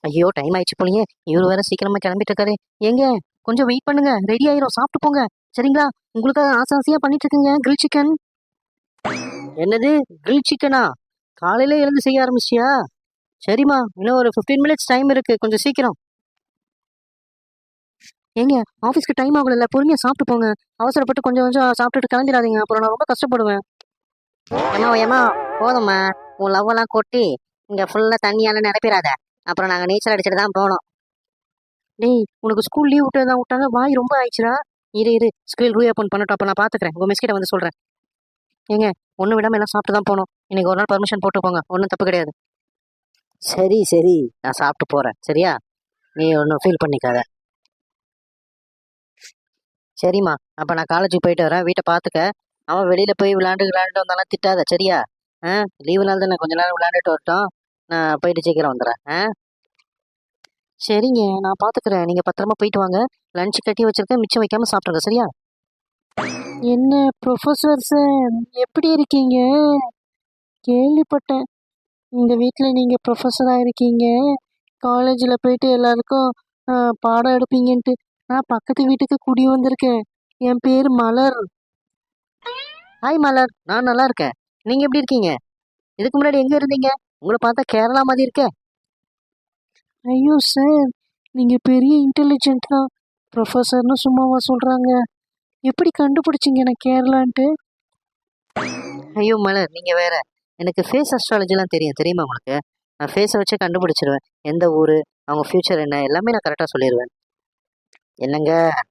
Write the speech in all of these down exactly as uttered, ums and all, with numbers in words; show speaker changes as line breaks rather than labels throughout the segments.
ஐயோ டைம் ஆயிடுச்சு போலயே. இவரு வேற சீக்கிரமா கிளம்பிட்டு இருக்காரு. ஏங்க கொஞ்சம் வெயிட் பண்ணுங்க, ரெடி ஆயிரும், சாப்பிட்டு போங்க. சரிங்களா? உங்களுக்காக ஆசை ஆசையா பண்ணிட்டு இருக்கீங்க கிரில் சிக்கன். என்னது கிரில் சிக்கனா? காலையில எழுந்து செய்ய ஆரம்பிச்சியா? சரிம்மா, இன்னும் ஒரு ஃபிஃப்டீன் மினிட்ஸ் டைம் இருக்கு, கொஞ்சம் சீக்கிரம். ஏங்க ஆஃபீஸ்க்கு டைம் ஆகல, பொறுமையா சாப்பிட்டு போங்க. அவசரப்பட்டு கொஞ்சம் கொஞ்சம் சாப்பிட்டுட்டு கிளம்பிடாதீங்க, அப்புறம் நான் ரொம்ப கஷ்டப்படுவேன். ஏமா ஏமா போதும்மா, உன் லவ் எல்லாம் கொட்டி இங்க ஃபுல்லா தண்ணியால நிரப்பிடாத, அப்புறம் நாங்க நீச்சல் அடிச்சுட்டு தான் போனோம். டேய் உனக்கு ஸ்கூல் லீவ் விட்டு தான் விட்டாங்க, வாய் ரொம்ப ஆயிடுச்சுடா. இரு இரு ஸ்கூல் ரீஓப்பன் பண்ணட்டும், அப்ப நான் பாத்துக்கிறேன், உங்க மிஸ் கிட்ட வந்து சொல்றேன். ஏங்க ஒண்ணு விடாம எல்லாம் சாப்பிட்டு தான் போனோம். இன்னைக்கு ஒரு நாள் பர்மிஷன் போட்டு போங்க, ஒன்றும் தப்பு கிடையாது. சரி சரி, நான் சாப்பிட்டு போறேன், சரியா? நீ ஒன்றும் ஃபீல் பண்ணிக்காத. சரிம்மா, அப்ப நான் காலேஜுக்கு போயிட்டு வரேன், வீட்டை பாத்துக்க. அவன் வெளியில போய் விளையாண்டு விளையாண்டு வந்தாலும் திட்டாத, சரியா? ஆ லீவு நாள் தானே, கொஞ்ச நேரம் விளையாண்டுட்டு வரட்டும். நான் போயிட்டு சீக்கிரம் வந்துடுறேன். ஆ சரிங்க, நான் பாத்துக்கிறேன், நீங்க பத்திரமா போயிட்டு வாங்க. லஞ்ச் கட்டி வச்சிருக்கேன், மிச்சம் வைக்காம சாப்பிடுங்க, சரியா? என்ன ப்ரொஃபசர் சார், எப்படி இருக்கீங்க? கேள்விப்பட்டேன் இந்த வீட்டில் நீங்கள் ப்ரொஃபஸராக இருக்கீங்க, காலேஜில் போயிட்டு எல்லாருக்கும் ஆ, பாடம் எடுப்பீங்கன்ட்டு. நான் பக்கத்து வீட்டுக்கு குடி வந்திருக்கேன். என் பேர் மலர். ஹாய் மலர், நான் நல்லா இருக்கேன். நீங்க எப்படி இருக்கீங்க? இதுக்கு முன்னாடி எங்க இருந்தீங்க? உங்களை பார்த்தா கேரளா மாதிரி இருக்கே. ஐயோ சார், நீங்கள் பெரிய இன்டெலிஜென்ட் தான். ப்ரொஃபஸர்னு சும்மாவா சொல்கிறாங்க? எப்படி கண்டுபிடிச்சிங்க நான் கேரளான்ட்டு? ஐயோ மலர், நீங்க வேற. எனக்கு ஃபேஸ் அஸ்ட்ராலஜிலாம் தெரியும், தெரியுமா உங்களுக்கு? நான் ஃபேஸை வச்சு கண்டுபிடிச்சிருவேன் எந்த ஊரு, அவங்க ஃபியூச்சர் என்ன, எல்லாமே நான் கரெக்டாக சொல்லிடுவேன். என்னங்க?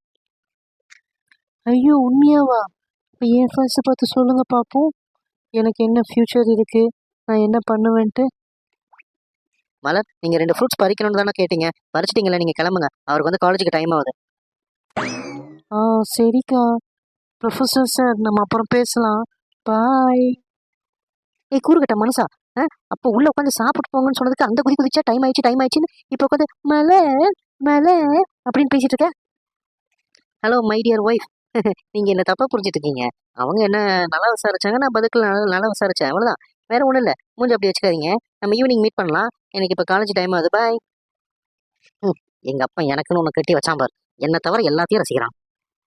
ஐயோ உண்மையாவா? இப்போ என் ஃபேஸை பார்த்து சொல்லுங்க பார்ப்போம், எனக்கு என்ன ஃபியூச்சர் இருக்கு, நான் என்ன பண்ணுவேன்ட்டு. மலர், நீங்க ரெண்டு ஃப்ரூட்ஸ் பறிக்கணும்னு தானே கேட்டீங்க, பறிச்சிட்டீங்களா? நீங்க கிளம்புங்க, அவருக்கு வந்து காலேஜுக்கு டைம் ஆகுது. ஆ சரிக்கா. ப்ரொஃபஸர் சார், நம்ம அப்புறம் பேசலாம். பாய். ஏய் கூறுகட்ட மனுஷா, ஆ அப்போ உள்ள உட்காந்து சாப்பிட்டு போங்கன்னு சொன்னதுக்கு அந்த குதி குதிச்சா டைம் ஆயிடுச்சு டைம் ஆயிடுச்சுன்னு இப்போ உட்காந்து மலை மலை அப்படின்னு பேசிட்டு இருக்க. ஹலோ மை டியர் ஒய்ஃப், நீங்க என்ன தப்பா புரிஞ்சுட்டு இருக்கீங்க. அவங்க என்ன நல்லா விசாரிச்சாங்க, நான் பதில் நல்லா நல்லா விசாரிச்சேன், அவ்வளவுதான். வேற ஒண்ணும் இல்ல, மூஞ்சி அப்படி வச்சுக்காதீங்க. நம்ம ஈவினிங் மீட் பண்ணலாம், எனக்கு இப்போ காலேஜ் டைம் ஆகுது, பாய். எங்க அப்பா எனக்குன்னு ஒன்று கட்டி வச்சான் பார், என்ன தவிர எல்லாத்தையும் ரசிக்கிறான்.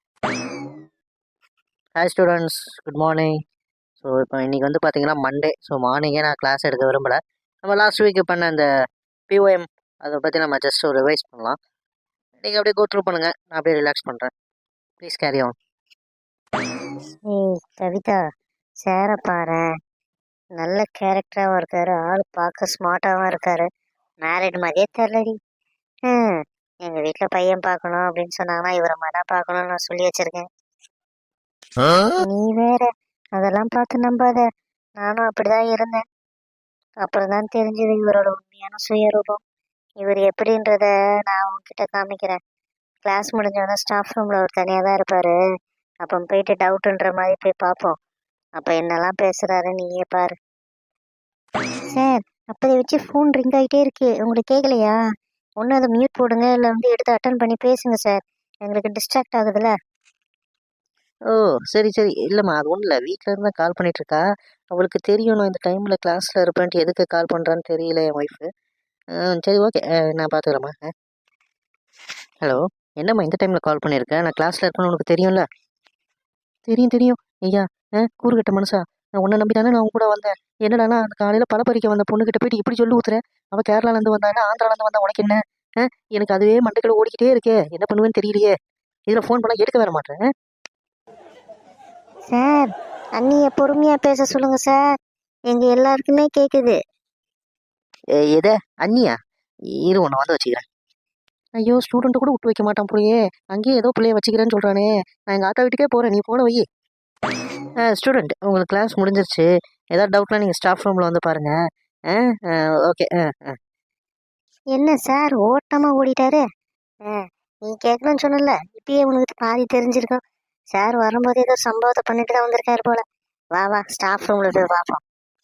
Hi students, good morning. So இப்போ இன்றைக்கி வந்து பார்த்தீங்கன்னா மண்டே. ஸோ மார்னிங்கே நான் கிளாஸ் எடுக்க விரும்பலை. நம்ம லாஸ்ட் வீக் பண்ண அந்த பிஓஎம் அதை பற்றி நம்ம ஜஸ்ட் ஒரு ரிவைஸ் பண்ணலாம். நீங்கள் அப்படியே கோ த்ரூ பண்ணுங்கள், நான் அப்படியே ரிலாக்ஸ் பண்ணுறேன். Please carry on.
ஏய் கவிதா, சேர பாரு, நல்ல கேரக்டராகவும் இருக்காரு, ஆள் பார்க்க ஸ்மார்ட்டாகவும் இருக்காரு, மேரிட் மாதிரியே தெரிலடி. ம் எங்கள் வீட்டில் பையன் பார்க்கணும் அப்படின்னு சொன்னாங்கன்னா இவரை மாதிரி தான் பார்க்கணும்னு நான் சொல்லி வச்சிருக்கேன். நீ வேற அதெல்லாம் பார்த்து நம்பாத, நானும் அப்படிதான் இருந்தேன். அப்புறம் தான் தெரிஞ்சது இவரோட உண்மையான சுயரூபம். இவர் எப்படின்றத நான் உங்ககிட்ட காமிக்கிறேன். கிளாஸ் முடிஞ்சோடனே ஸ்டாஃப் ரூமில் ஒரு தனியாக தான் இருப்பார். அப்போ போயிட்டு டவுட்டுன்ற மாதிரி போய் பார்ப்போம். அப்போ என்னெல்லாம் பேசுகிறாரு நீயே பாரு. சார், அப்போதை வச்சு ஃபோன் ரிங் ஆகிட்டே இருக்கு, உங்களுக்கு கேட்கலையா? ஒன்று அதை மியூட் போடுங்க, இல்லை வந்து எடுத்து அட்டன் பண்ணி பேசுங்க சார், எங்களுக்கு டிஸ்ட்ராக்ட் ஆகுதுல்ல.
ஓ சரி சரி, இல்லைம்மா அது ஒன்றும் இல்லை, வீட்டில் இருந்தால் கால் பண்ணிட்டு இருக்கா. அவளுக்கு தெரியும் நான் இந்த டைமில் கிளாஸில் இருப்பேன்ட்டு, எதுக்கு கால் பண்ணுறான்னு தெரியல என் ஒய்ஃபு. சரி ஓகே, நான் பார்த்துக்கிறேம்மா. ஹலோ, என்னம்மா இந்த டைமில் கால் பண்ணியிருக்கேன்? நான் கிளாஸில் இருக்கேன்னு உனக்கு தெரியும்ல? தெரியும் தெரியும் ஐயா. ஆ கூறுகட்ட மனுஷா, நான் உன்னை நம்பி தானே நான் உன் கூட வந்தேன். என்னடானா அந்த காலையில் பழ பறிக்க வந்த பொண்ணுகிட்ட போயிட்டு இப்படி சொல்லி ஊத்துறேன். அவள் கேரளாலேருந்து வந்தாங்க, ஆந்திராலேருந்து வந்தா, உனக்கு என்ன? ஆ எனக்கு அதுவே மண்டைக்குள்ள ஓடிக்கிட்டே இருக்கே, என்ன பண்ணுவேன்னு தெரியலையே. இதில் ஃபோன் பண்ணால் எடுக்க வர மாட்டேன்.
சார், அண்ணியை பொறுமையாக பேச சொல்லுங்க சார், எங்கள் எல்லாருக்குமே கேட்குது.
எதை அண்ணியா? இரு உன்னை வந்து வச்சுக்கிறேன். ஐயோ ஸ்டூடெண்ட்டை கூட விட்டு வைக்க மாட்டான் போலயே, அங்கேயே ஏதோ பிள்ளைய வச்சுக்கிறேன்னு சொல்கிறானே. நான் எங்கள் ஆத்தா வீட்டுக்கே போகிறேன், நீ போன வை. ஸ்டூடெண்ட், உங்களுக்கு கிளாஸ் முடிஞ்சிருச்சு, ஏதாவது டவுட்லாம் நீங்கள் ஸ்டாஃப் ரூமில் வந்து பாருங்கள். ஆ ஓகே. ஆ ஆ
என்ன சார் ஓட்டமாக ஓடிட்டாரு? ஆ நீ கேட்கணும்னு சொன்னல, இப்பயே உனக்கு பாதி தெரிஞ்சிருக்கும். சார் வரும்போது ஏதோ சம்பவத்தை பண்ணிட்டு தான் வந்திருக்காரு போல. வா வா ஸ்டாஃப் ரூமில் போய் பார்ப்போம்.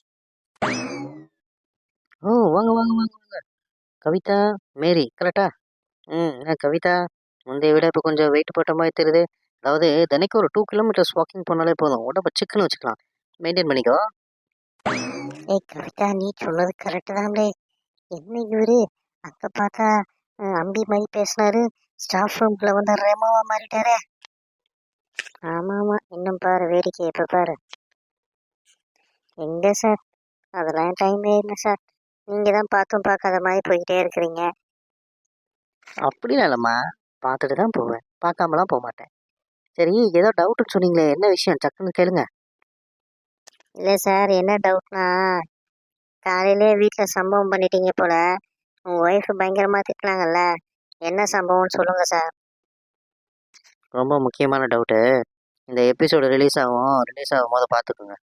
ஓ வாங்க வாங்க வாங்க வாங்க. கவிதா, மேரி கரெக்டா? ம் என்ன கவிதா, முந்தைய விட இப்போ கொஞ்சம் வெயிட் போட்ட மாதிரி தெரியுது. அதாவது தினைக்கும் ஒரு டூ கிலோமீட்டர்ஸ் வாக்கிங் போனாலே போதும், உடம்ப சிக்கன்னு வச்சுக்கலாம். மெயின்டைன் பண்ணிக்கோ.
ஏய் கவிதா, நீ சொன்னது கரெக்டு தான்லே. என்ன இவரு அங்கே பார்த்தா அஹ், அம்பி மாதிரி பேசினாரு. ஸ்டாஃப் ரூம்குள்ள வந்து ரெமோவா மாறிட்டாரே. ஆமாம் ஆமாம், இன்னும் பாரு வேடிக்கை எப்போ பாரு. எங்கே சார், அதெல்லாம் டைமே இல்லை சார். நீங்கள் தான் பார்த்தும் பார்க்காத மாதிரி போய்கிட்டே இருக்கிறீங்க.
அப்படிலாம் இல்லைம்மா, பார்த்துட்டு தான் போவேன், பார்க்காமலாம் போக மாட்டேன். சரி, ஏதோ டவுட்டுன்னு சொன்னீங்களே, என்ன விஷயம் டக்குன்னு கேளுங்க.
இல்லை சார், என்ன டவுட்னா, காலையிலே வீட்டில் சம்பவம் பண்ணிட்டீங்க போல. உங்கள் ஒய்ஃப் பயங்கரமாக திட்டினாங்கல்ல, என்ன சம்பவம்னு சொல்லுங்கள் சார்.
ரொம்ப முக்கியமான டவுட்டு. இந்த எபிசோடு ரிலீஸ் ஆகும் ரிலீஸ் ஆகும் போது பார்த்துக்குங்க.